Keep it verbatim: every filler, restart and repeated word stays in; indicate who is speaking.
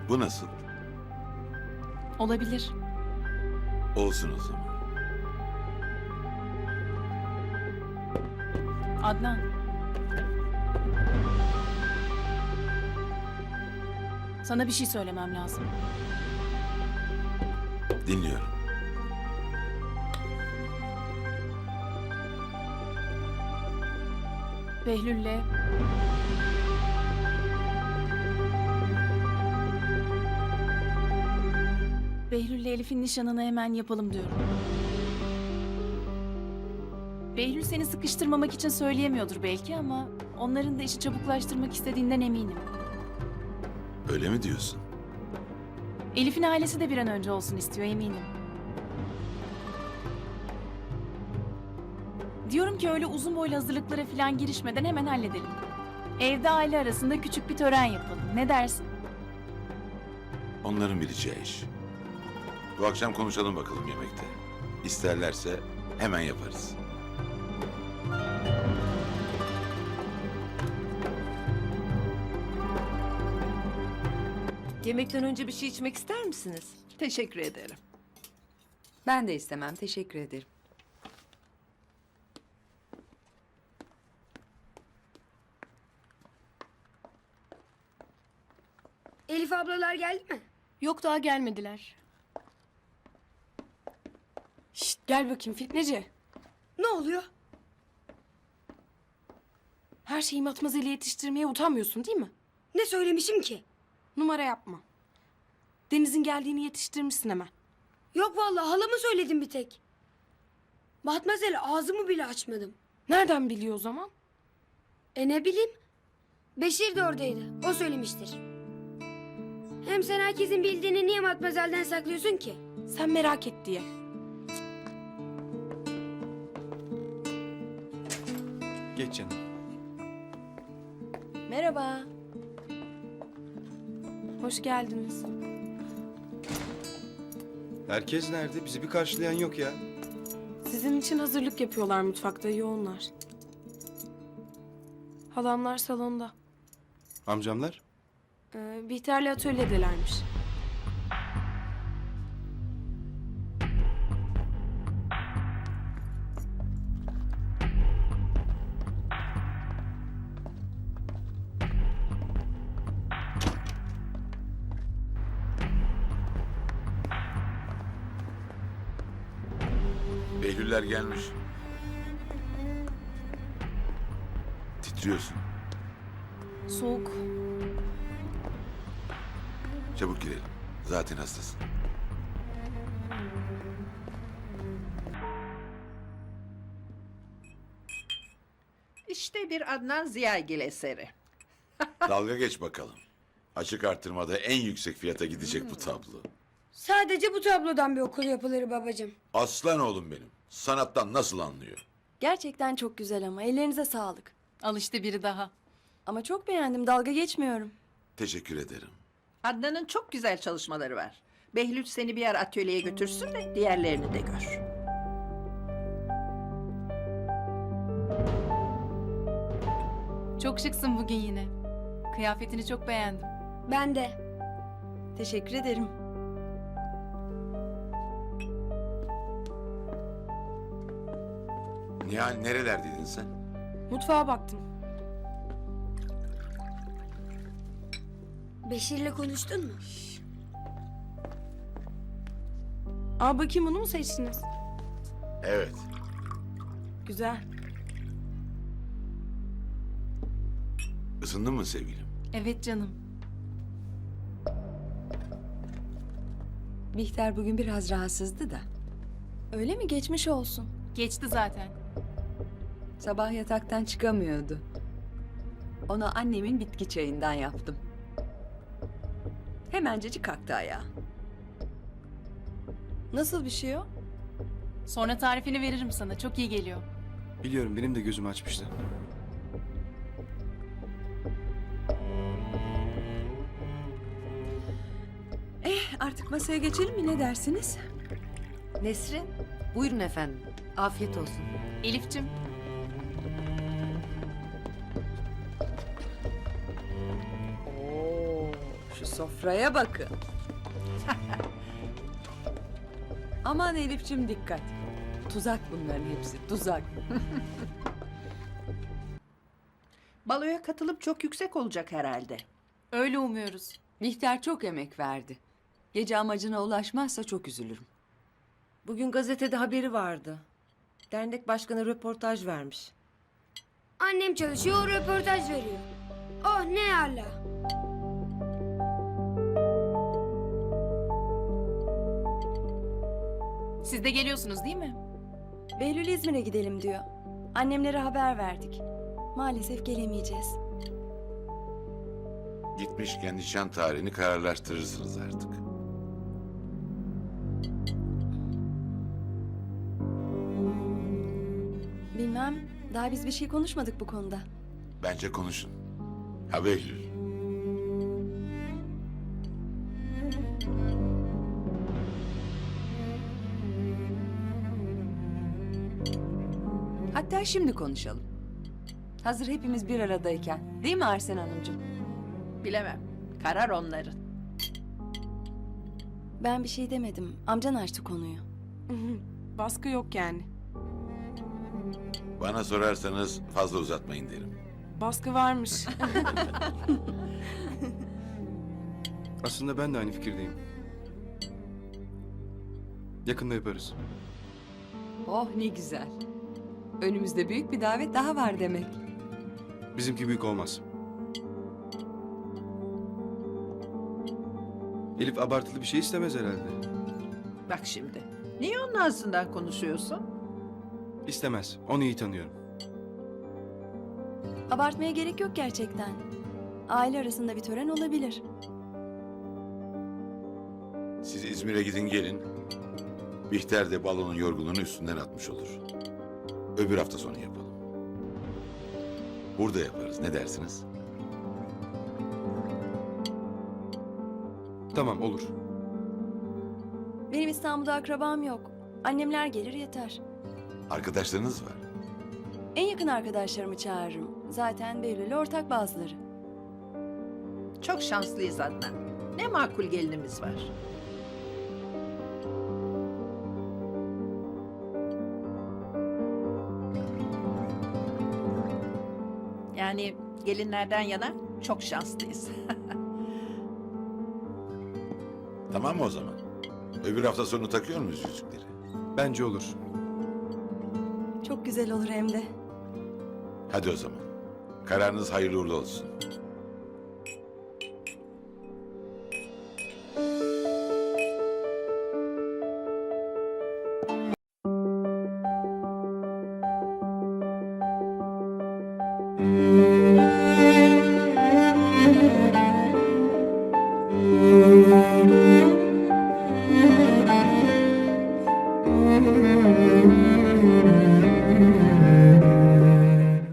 Speaker 1: Bu nasıl?
Speaker 2: Olabilir.
Speaker 1: Olsun o zaman.
Speaker 2: Adnan. Sana bir şey söylemem lazım.
Speaker 1: Dinliyorum.
Speaker 2: Behlül'le... Behlül'le Elif'in nişanını hemen yapalım diyorum. Behlül seni sıkıştırmamak için söyleyemiyordur belki ama... onların da işi çabuklaştırmak istediğinden eminim.
Speaker 1: Öyle mi diyorsun?
Speaker 2: Elif'in ailesi de bir an önce olsun istiyor eminim. Diyorum ki öyle uzun boylu hazırlıklara falan girişmeden hemen halledelim. Evde aile arasında küçük bir tören yapalım. Ne dersin?
Speaker 1: Onların bileceği iş. Bu akşam konuşalım bakalım yemekte. İsterlerse hemen yaparız.
Speaker 3: Yemekten önce bir şey içmek ister misiniz?
Speaker 4: Teşekkür ederim.
Speaker 5: Ben de istemem, teşekkür ederim.
Speaker 6: Elif ablalar geldi mi?
Speaker 7: Yok daha gelmediler. Şşt gel bakayım Fitneci.
Speaker 6: Ne oluyor?
Speaker 7: Her şeyi matmazeli yetiştirmeye utanmıyorsun değil mi?
Speaker 6: Ne söylemişim ki?
Speaker 7: Numara yapma. Deniz'in geldiğini yetiştirmişsin hemen.
Speaker 6: Yok vallahi halama söyledim bir tek. Batmazel ağzımı bile açmadım.
Speaker 7: Nereden biliyor o zaman?
Speaker 6: E ne bileyim? Beşir de oradaydı. O söylemiştir. Hem sen herkesin bildiğini niye Matmazel'den saklıyorsun ki?
Speaker 7: Sen merak et diye.
Speaker 8: Geç canım.
Speaker 7: Merhaba. Hoş geldiniz.
Speaker 8: Herkes nerede? Bizi bir karşılayan yok ya.
Speaker 7: Sizin için hazırlık yapıyorlar mutfakta yoğunlar. Halamlar salonda.
Speaker 8: Amcamlar?
Speaker 7: Ee, Bihter'le atölyedelermiş.
Speaker 1: Behlüller gelmiş. Titriyorsun.
Speaker 2: Soğuk.
Speaker 1: Çabuk girelim. Zaten hastasın.
Speaker 4: İşte bir Adnan Ziyagil eseri.
Speaker 1: Dalga geç bakalım. Açık artırmada en yüksek fiyata gidecek bu tablo.
Speaker 6: Sadece bu tablodan bir okul yapılır babacığım.
Speaker 1: Aslan oğlum benim. Sanattan nasıl anlıyor?
Speaker 9: Gerçekten çok güzel ama ellerinize sağlık.
Speaker 2: Al işte biri daha.
Speaker 9: Ama çok beğendim, dalga geçmiyorum.
Speaker 1: Teşekkür ederim.
Speaker 4: Adnan'ın çok güzel çalışmaları var. Behlül seni bir yer atölyeye götürsün de diğerlerini de gör.
Speaker 2: Çok şıksın bugün yine. Kıyafetini çok beğendim.
Speaker 6: Ben de.
Speaker 9: Teşekkür ederim.
Speaker 1: Nihal nerelerdeydin sen?
Speaker 7: Mutfağa baktım.
Speaker 6: Beşir'le konuştun mu?
Speaker 7: Aa bakayım onu mu seçtiniz?
Speaker 1: Evet.
Speaker 7: Güzel.
Speaker 1: Isındın mı sevgilim?
Speaker 2: Evet canım.
Speaker 5: Bihter bugün biraz rahatsızdı da.
Speaker 9: Öyle mi? Geçmiş olsun.
Speaker 2: Geçti zaten.
Speaker 5: Sabah yataktan çıkamıyordu. Ona annemin bitki çayından yaptım. Hemencecik kalktı ayağa.
Speaker 9: Nasıl bir şey o?
Speaker 2: Sonra tarifini veririm sana. Çok iyi geliyor.
Speaker 8: Biliyorum, benim de gözümü açmıştı.
Speaker 5: Artık masaya geçelim mi, ne dersiniz?
Speaker 3: Nesrin, buyurun efendim. Afiyet olsun.
Speaker 2: Elif'cim.
Speaker 5: Şu sofraya bakın. Aman Elif'cim dikkat. Tuzak bunların hepsi, tuzak.
Speaker 4: Baloya katılıp çok yüksek olacak herhalde.
Speaker 2: Öyle umuyoruz.
Speaker 5: Bihter çok emek verdi. Gece amacına ulaşmazsa çok üzülürüm.
Speaker 3: Bugün gazetede haberi vardı. Dernek başkanı röportaj vermiş.
Speaker 6: Annem çalışıyor, o röportaj veriyor. Oh ne ala.
Speaker 2: Siz de geliyorsunuz değil mi?
Speaker 9: Behlül İzmir'e gidelim diyor. Annemlere haber verdik. Maalesef gelemeyeceğiz.
Speaker 1: Gitmişken nişan tarihini kararlaştırırsınız artık.
Speaker 9: Bilmem, daha biz bir şey konuşmadık bu konuda.
Speaker 1: Bence konuşun. Ha Behlül.
Speaker 5: Hatta şimdi konuşalım. Hazır hepimiz bir aradayken. Değil mi Arsen Hanımcığım?
Speaker 4: Bilemem. Karar onların.
Speaker 9: Ben bir şey demedim. Amcan açtı konuyu.
Speaker 7: Baskı yok yani.
Speaker 1: Bana sorarsanız fazla uzatmayın derim.
Speaker 7: Baskı varmış.
Speaker 8: Aslında ben de aynı fikirdeyim. Yakında yaparız.
Speaker 5: Oh ne güzel. Önümüzde büyük bir davet daha var demek.
Speaker 8: Bizimki büyük olmaz. Elif abartılı bir şey istemez herhalde.
Speaker 4: Bak şimdi. Niye onun ağzından konuşuyorsun?
Speaker 8: İstemez. Onu iyi tanıyorum.
Speaker 9: Abartmaya gerek yok gerçekten. Aile arasında bir tören olabilir.
Speaker 1: Siz İzmir'e gidin gelin. Bihter de balonun yorgunluğunu üstünden atmış olur. Öbür hafta sonu yapalım. Burada yaparız. Ne dersiniz?
Speaker 8: Tamam olur.
Speaker 9: Benim İstanbul'da akrabam yok. Annemler gelir yeter.
Speaker 1: Arkadaşlarınız var.
Speaker 9: En yakın arkadaşlarımı çağırırım. Zaten Behlül'le ortak bazıları.
Speaker 4: Çok şanslıyız Adnan. Ne makul gelinimiz var. Yani gelinlerden yana çok şanslıyız.
Speaker 1: Tamam mı o zaman? Öbür hafta sonu takıyor muyuz yüzükleri?
Speaker 8: Bence olur.
Speaker 9: Çok güzel olur hem de.
Speaker 1: Hadi o zaman. Kararınız hayırlı uğurlu olsun.
Speaker 6: Müzik